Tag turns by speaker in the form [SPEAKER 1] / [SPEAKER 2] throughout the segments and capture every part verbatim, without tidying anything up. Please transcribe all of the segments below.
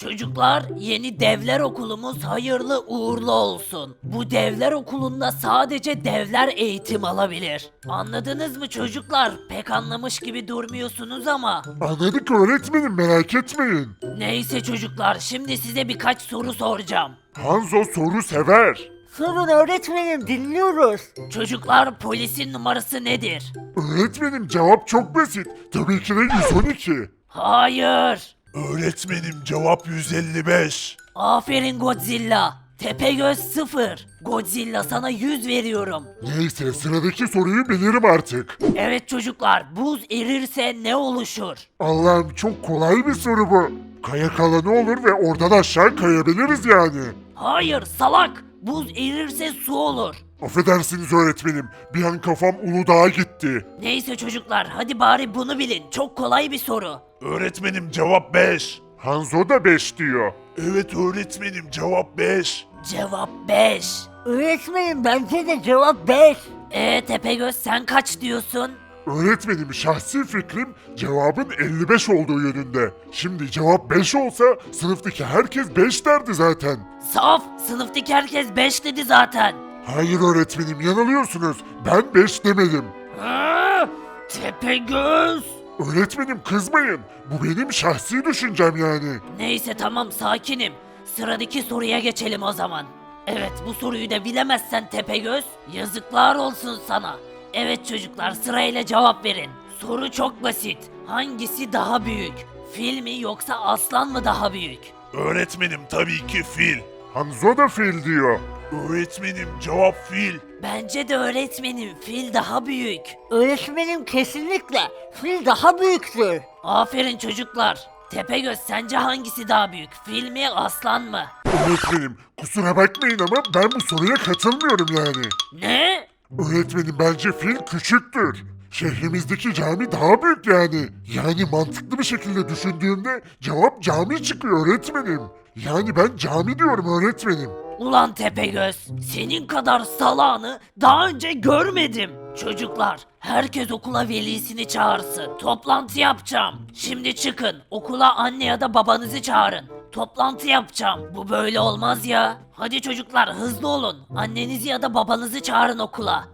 [SPEAKER 1] Çocuklar, yeni devler okulumuz hayırlı uğurlu olsun. Bu devler okulunda sadece devler eğitim alabilir. Anladınız mı çocuklar? Pek anlamış gibi durmuyorsunuz ama.
[SPEAKER 2] Anladık öğretmenim, merak etmeyin.
[SPEAKER 1] Neyse çocuklar, şimdi size birkaç soru soracağım.
[SPEAKER 2] Hanzo soru sever.
[SPEAKER 3] Sorun öğretmenim, dinliyoruz.
[SPEAKER 1] Çocuklar, polisin numarası nedir?
[SPEAKER 2] Öğretmenim cevap çok basit. Tabii ki de yüz on iki.
[SPEAKER 1] Hayır.
[SPEAKER 2] Öğretmenim cevap yüz elli beş.
[SPEAKER 1] Aferin Godzilla. Tepegöz sıfır. Godzilla sana yüz veriyorum.
[SPEAKER 2] Neyse sıradaki soruyu bilirim artık.
[SPEAKER 1] Evet çocuklar, buz erirse ne oluşur?
[SPEAKER 2] Allah'ım çok kolay bir soru bu. Kayak alanı olur ve oradan aşağı kayabiliriz yani.
[SPEAKER 1] Hayır salak. Buz erirse su olur.
[SPEAKER 2] Affedersiniz öğretmenim. Bir an kafam Uludağ'a gitti.
[SPEAKER 1] Neyse çocuklar, hadi bari bunu bilin. Çok kolay bir soru.
[SPEAKER 2] Öğretmenim cevap beş. Hanzo da beş diyor. Evet öğretmenim cevap beş.
[SPEAKER 1] Cevap beş.
[SPEAKER 3] Öğretmenim bence de cevap beş.
[SPEAKER 1] Ee Tepegöz sen kaç diyorsun?
[SPEAKER 2] Öğretmenim şahsi fikrim cevabın elli beş olduğu yönünde. Şimdi cevap beş olsa sınıftaki herkes beş derdi zaten.
[SPEAKER 1] Saf, sınıftaki herkes beş dedi zaten.
[SPEAKER 2] Hayır öğretmenim yanılıyorsunuz. Ben beş demedim.
[SPEAKER 1] Ha, Tepegöz.
[SPEAKER 2] Öğretmenim kızmayın. Bu benim şahsi düşüncem yani.
[SPEAKER 1] Neyse tamam sakinim. Sıradaki soruya geçelim o zaman. Evet bu soruyu da bilemezsen Tepegöz, yazıklar olsun sana. Evet çocuklar sırayla cevap verin. Soru çok basit. Hangisi daha büyük? Fil mi yoksa aslan mı daha büyük?
[SPEAKER 2] Öğretmenim tabii ki fil. Hanzo da fil diyor. Öğretmenim cevap fil.
[SPEAKER 1] Bence de öğretmenim fil daha büyük.
[SPEAKER 3] Öğretmenim kesinlikle fil daha büyüktür.
[SPEAKER 1] Aferin çocuklar. Tepegöz sence hangisi daha büyük? Fil mi aslan mı?
[SPEAKER 2] Öğretmenim kusura bakmayın ama ben bu soruya katılmıyorum yani.
[SPEAKER 1] Ne?
[SPEAKER 2] Öğretmenim bence fil küçüktür. Şehrimizdeki cami daha büyük yani. Yani mantıklı bir şekilde düşündüğümde cevap cami çıkıyor öğretmenim. Yani ben cami diyorum öğretmenim.
[SPEAKER 1] Ulan Tepegöz, senin kadar salağını daha önce görmedim. Çocuklar, herkes okula velisini çağırsın. Toplantı yapacağım. Şimdi çıkın, okula anne ya da babanızı çağırın. Toplantı yapacağım. Bu böyle olmaz ya. Hadi çocuklar hızlı olun. Annenizi ya da babanızı çağırın okula.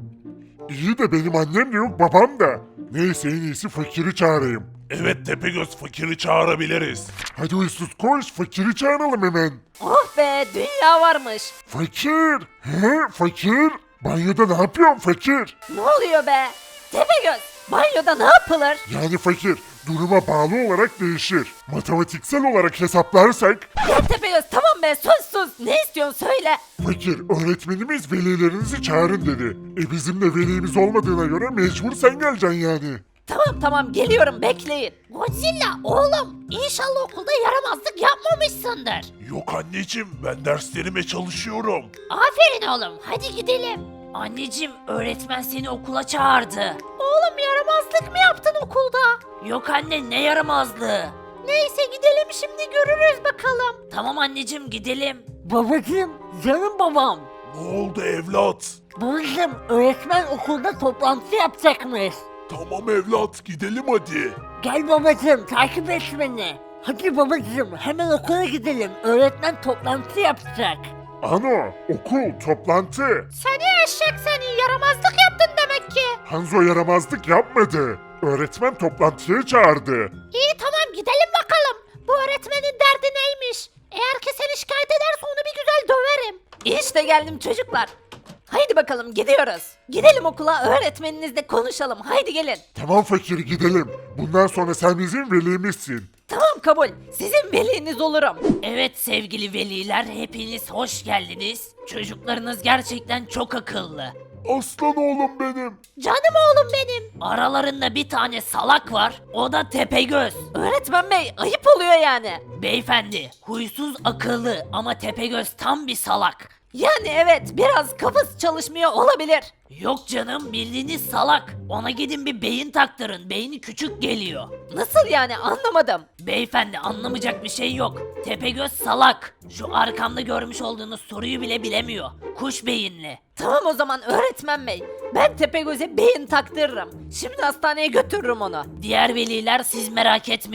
[SPEAKER 2] İyi de benim annem de yok babam da. Neyse en iyisi fakiri çağırayım. Evet Tepegöz fakiri çağırabiliriz. Hadi uysuz koş fakiri çağıralım hemen.
[SPEAKER 1] Oh be, dünya varmış.
[SPEAKER 2] Fakir. He fakir. Banyoda ne yapıyorsun fakir?
[SPEAKER 1] Ne oluyor be? Tepegöz, banyoda ne yapılır?
[SPEAKER 2] Yani fakir duruma bağlı olarak değişir. Matematiksel olarak hesaplarsak
[SPEAKER 1] Ya Tepegöz tamam be, sus sus. Ne istiyorsun söyle.
[SPEAKER 2] fakir öğretmenimiz velilerinizi çağırın dedi. E bizim de velimiz olmadığına göre mecbur sen geleceksin yani.
[SPEAKER 1] Tamam tamam geliyorum bekleyin. Godzilla oğlum inşallah okulda yaramazlık yapmamışsındır.
[SPEAKER 2] Yok anneciğim ben derslerime çalışıyorum.
[SPEAKER 1] Aferin oğlum hadi gidelim. Anneciğim öğretmen seni okula çağırdı. Oğlum yaramazlık mı yaptın okulda? Yok anne ne yaramazlığı? Neyse gidelim şimdi görürüz bakalım. Tamam anneciğim gidelim.
[SPEAKER 3] Babacım, canım babam.
[SPEAKER 2] Ne oldu evlat?
[SPEAKER 3] Babacım, öğretmen okulda toplantı yapacakmış.
[SPEAKER 2] Tamam evlat gidelim hadi.
[SPEAKER 3] Gel babacım, takip et beni. Hadi babacım, hemen okula gidelim. Öğretmen toplantı yapacak.
[SPEAKER 2] Ano okul toplantı.
[SPEAKER 1] Seni eşek seni yaramazlık yaptın demek ki.
[SPEAKER 2] Hanzo yaramazlık yapmadı. Öğretmen toplantıya çağırdı.
[SPEAKER 1] İyi tamam gidelim bakalım. Bu öğretmenin derdi neymiş? Eğer ki seni şikayet ederse onu bir güzel döverim. İşte geldim çocuklar. Haydi bakalım gidiyoruz. Gidelim okula öğretmeninizle konuşalım. Haydi gelin.
[SPEAKER 2] Tamam fakir gidelim. Bundan sonra sen bizim velimizsin.
[SPEAKER 1] Tamam kabul. Sizin veliniz olurum. Evet sevgili veliler hepiniz hoş geldiniz. Çocuklarınız gerçekten çok akıllı.
[SPEAKER 2] Aslan oğlum benim.
[SPEAKER 1] Canım oğlum benim. Aralarında bir tane salak var. O da Tepegöz. Öğretmen bey ayıp oluyor yani. Beyefendi huysuz akıllı ama Tepegöz tam bir salak. Yani evet biraz kafası çalışmıyor olabilir. Yok canım bildiğiniz salak. Ona gidin bir beyin taktırın. Beyni küçük geliyor. Nasıl yani anlamadım. Beyefendi anlamayacak bir şey yok. Tepegöz salak. Şu arkamda görmüş olduğunuz soruyu bile bilemiyor. Kuş beyinli. Tamam o zaman öğretmen bey. Ben Tepegöz'e beyin taktırırım. Şimdi hastaneye götürürüm onu. Diğer veliler siz merak etmeyin.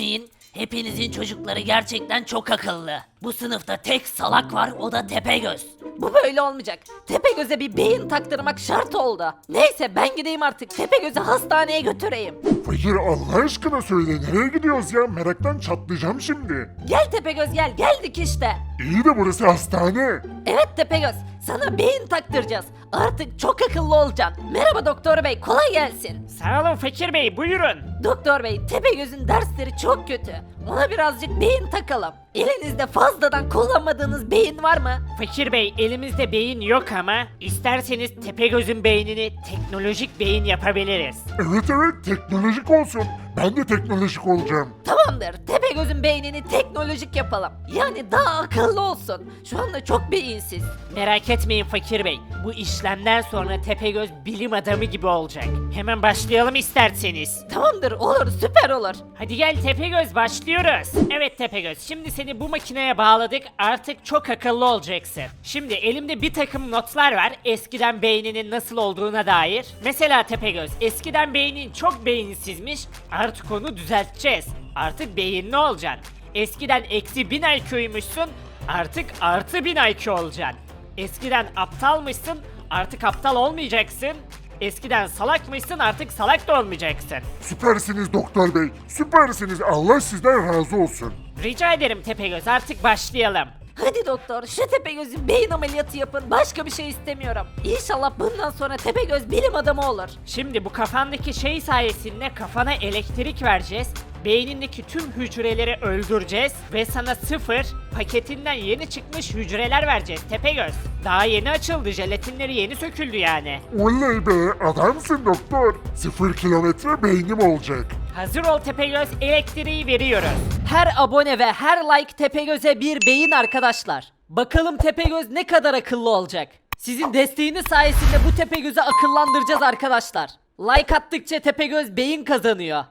[SPEAKER 1] Hepinizin çocukları gerçekten çok akıllı. Bu sınıfta tek salak var, o da Tepegöz. Bu böyle olmayacak. Tepegöz'e bir beyin taktırmak şart oldu. Neyse ben gideyim artık. Tepegöz'ü hastaneye götüreyim.
[SPEAKER 2] Fakir Allah aşkına söyle nereye gidiyoruz ya? Meraktan çatlayacağım şimdi.
[SPEAKER 1] Gel Tepegöz gel. Geldik işte.
[SPEAKER 2] İyi de burası hastane.
[SPEAKER 1] Evet Tepegöz. Sana beyin taktıracağız. Artık çok akıllı olacaksın. Merhaba doktor bey. Kolay gelsin.
[SPEAKER 4] Sağ olun Fakir Bey, buyurun.
[SPEAKER 1] Doktor bey, Tepegöz'ün dersleri çok kötü. Ona birazcık beyin takalım. Elinizde fazladan kullanmadığınız beyin var mı?
[SPEAKER 4] Fakir Bey, elimizde beyin yok ama isterseniz Tepegöz'ün beynini teknolojik beyin yapabiliriz.
[SPEAKER 2] Evet evet teknolojik olsun. Ben de teknolojik olacağım.
[SPEAKER 1] Tamamdır. Tepegöz'ün beynini teknolojik yapalım. Yani daha akıllı olsun. Şu anda çok beyinsiz.
[SPEAKER 4] Merak etmeyin Fakir Bey, bu işlemden sonra Tepegöz bilim adamı gibi olacak. Hemen başlayalım isterseniz.
[SPEAKER 1] Tamamdır, olur, süper olur.
[SPEAKER 4] Hadi gel Tepegöz, başlıyoruz. Evet Tepegöz, şimdi seni bu makineye bağladık, artık çok akıllı olacaksın. Şimdi elimde bir takım notlar var eskiden beyninin nasıl olduğuna dair. Mesela Tepegöz, eskiden beynin çok beyinsizmiş, artık onu düzelteceğiz. Artık beyinli olacaksın. Eskiden eksi bin I Q'ymuşsun, artık artı bin I Q olacaksın. Eskiden aptalmışsın, artık aptal olmayacaksın. Eskiden salakmışsın, artık salak da olmayacaksın.
[SPEAKER 2] Süpersiniz doktor bey. Süpersiniz. Allah sizden razı olsun.
[SPEAKER 4] Rica ederim Tepegöz, artık başlayalım.
[SPEAKER 1] Hadi doktor, şu Tepegöz'ün beyin ameliyatı yapın. Başka bir şey istemiyorum. İnşallah bundan sonra Tepegöz bilim adamı olur.
[SPEAKER 4] Şimdi bu kafandaki şey sayesinde kafana elektrik vereceğiz. Beynindeki tüm hücreleri öldüreceğiz ve sana sıfır paketinden yeni çıkmış hücreler vereceğiz Tepegöz. Daha yeni açıldı, jelatinleri yeni söküldü yani.
[SPEAKER 2] Oley be adamsın doktor. Sıfır kilometre beynim olacak.
[SPEAKER 4] Hazır ol Tepegöz, elektriği veriyoruz.
[SPEAKER 1] Her abone ve her like Tepegöz'e bir beyin arkadaşlar. Bakalım Tepegöz ne kadar akıllı olacak. Sizin desteğiniz sayesinde bu Tepegöz'ü akıllandıracağız arkadaşlar. Like attıkça Tepegöz beyin kazanıyor.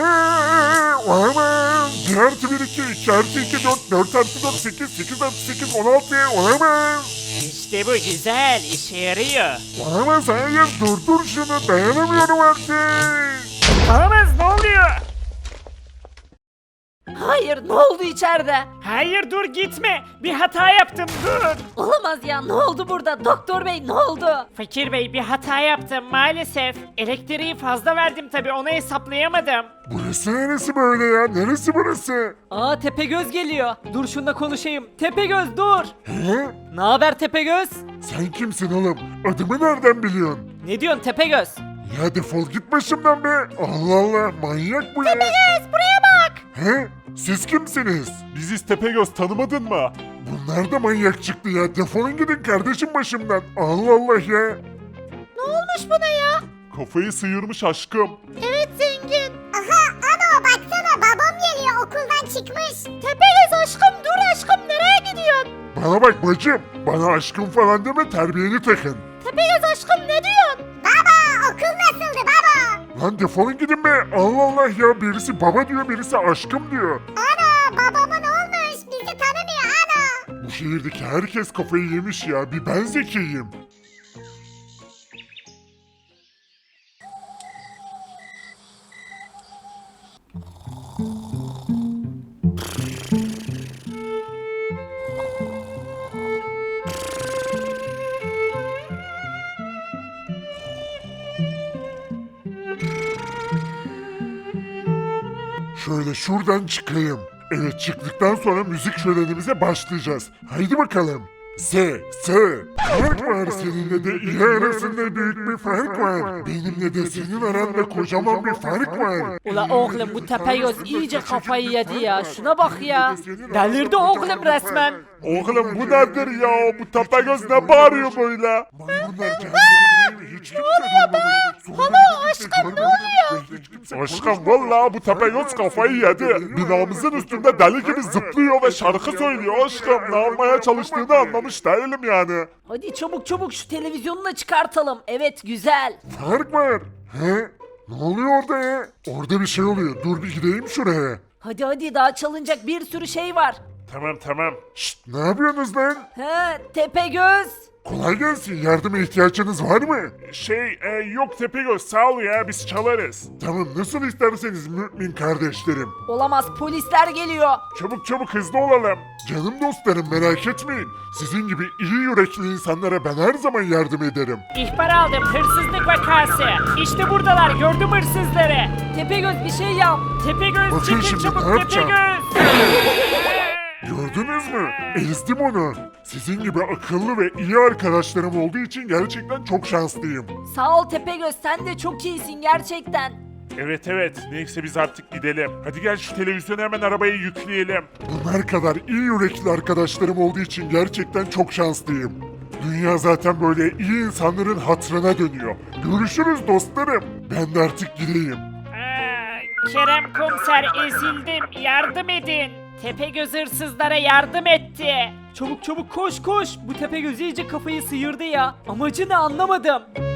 [SPEAKER 2] Eee, olamaz. bir artı bir iki, iki artı iki dört, dört artı dört sekiz, sekiz artı sekiz on altı, olamaz.
[SPEAKER 4] İşte bu güzel, işe yarıyor.
[SPEAKER 2] Olamaz hayır durdur şunu dayanamıyorum artık.
[SPEAKER 4] Olamaz, ne oluyor?
[SPEAKER 1] Hayır, ne oldu içeride?
[SPEAKER 4] Hayır, dur gitme, bir hata yaptım, dur.
[SPEAKER 1] Olamaz ya, ne oldu burada? Doktor bey ne oldu?
[SPEAKER 4] Fakir Bey, bir hata yaptım maalesef. Elektriği fazla verdim tabi, onu hesaplayamadım.
[SPEAKER 2] Burası neresi böyle ya? Neresi burası?
[SPEAKER 1] Aa Tepegöz geliyor. Dur şununla konuşayım. Tepegöz dur.
[SPEAKER 2] He?
[SPEAKER 1] Ne haber Tepegöz?
[SPEAKER 2] Sen kimsin oğlum? Adımı nereden biliyorsun?
[SPEAKER 1] Ne diyorsun Tepegöz?
[SPEAKER 2] Ya defol git başımdan be. Allah Allah manyak bu ya.
[SPEAKER 1] Tepegöz buraya bak.
[SPEAKER 2] He? Siz kimsiniz?
[SPEAKER 5] Biziz Tepegöz, tanımadın mı?
[SPEAKER 2] Bunlar da manyak çıktı ya. Defolun gidin kardeşim başımdan. Allah Allah ya.
[SPEAKER 1] Ne olmuş buna ya?
[SPEAKER 5] Kafayı sıyırmış aşkım.
[SPEAKER 1] Evet zengin.
[SPEAKER 6] Aha ano baksana babam geliyor okuldan çıkmış.
[SPEAKER 1] Tepegöz aşkım dur aşkım nereye gidiyorsun?
[SPEAKER 2] Bana bak bacım. Bana aşkım falan deme terbiyeni takın.
[SPEAKER 1] Tepegöz aşkım ne diyorsun?
[SPEAKER 6] Baba okul nasıldı baba?
[SPEAKER 2] Lan defolun gidin be. Allah Allah ya. Birisi baba diyor birisi aşkım diyor.
[SPEAKER 6] Ana babama ne olmuş bizi tanımıyor ana.
[SPEAKER 2] Bu şehirdeki herkes kafayı yemiş ya. Bir ben zekiyim. Şöyle şuradan çıkayım. Evet çıktıktan sonra müzik şölenimize başlayacağız. Haydi bakalım. S, S. Fark var seninle de iyi arasında büyük bir fark var. Benimle de senin aranda kocaman bir fark var.
[SPEAKER 1] Ula oğlum bu Tepegöz iyice kafayı yedi ya. Şuna bak ya. Delirdi oğlum resmen.
[SPEAKER 5] Oğlum bu nedir ya? Bu Tepegöz ne bağırıyor böyle?
[SPEAKER 2] Maymunlar kendini hiç kimse duymamış. Hala aşkım ne oluyor?
[SPEAKER 5] Aşkım valla bu Tepegöz kafayı yedi. Binamızın üstünde deli gibi zıplıyor ve şarkı söylüyor aşkım. Ne yapmaya çalıştığını anlamış değilim yani.
[SPEAKER 1] Hadi çabuk çabuk şu televizyonu da çıkartalım. Evet güzel.
[SPEAKER 2] Fark var. He? Ne oluyor orada ya? Orada bir şey oluyor. Dur bir gideyim şuraya.
[SPEAKER 1] Hadi hadi daha çalınacak bir sürü şey var.
[SPEAKER 5] Tamam tamam.
[SPEAKER 2] Şşt ne yapıyorsunuz lan?
[SPEAKER 1] He Tepegöz.
[SPEAKER 2] Kolay gelsin. Yardıma ihtiyacınız var mı?
[SPEAKER 5] Şey e, yok Tepegöz sağ ol ya biz çalarız.
[SPEAKER 2] Tamam, nasıl isterseniz mümin kardeşlerim.
[SPEAKER 1] Olamaz, polisler geliyor.
[SPEAKER 5] Çabuk çabuk hızlı olalım.
[SPEAKER 2] Canım dostlarım, merak etmeyin. Sizin gibi iyi yürekli insanlara ben her zaman yardım ederim.
[SPEAKER 4] İhbar aldım, hırsızlık vakası. İşte buradalar, gördüm hırsızları.
[SPEAKER 1] Tepegöz bir şey yap.
[SPEAKER 4] Tepegöz
[SPEAKER 2] Bakın
[SPEAKER 4] çıkın
[SPEAKER 2] şimdi,
[SPEAKER 4] çabuk
[SPEAKER 2] ne yapacağım?
[SPEAKER 4] Tepegöz.
[SPEAKER 2] Gördünüz mü? Ezdim onu. Sizin gibi akıllı ve iyi arkadaşlarım olduğu için gerçekten çok şanslıyım.
[SPEAKER 1] Sağ ol Tepegöz, sen de çok iyisin gerçekten.
[SPEAKER 5] Evet evet neyse biz artık gidelim. Hadi gel şu televizyonu hemen arabaya yükleyelim.
[SPEAKER 2] Bunlar kadar iyi yürekli arkadaşlarım olduğu için gerçekten çok şanslıyım. Dünya zaten böyle iyi insanların hatırına dönüyor. Görüşürüz dostlarım. Ben de artık gideyim.
[SPEAKER 4] Aa, Kerem komiser ezildim, yardım edin. Tepegöz hırsızlara yardım etti.
[SPEAKER 1] Çabuk çabuk koş koş. Bu Tepegöz iyice kafayı sıyırdı ya. Amacı ne anlamadım.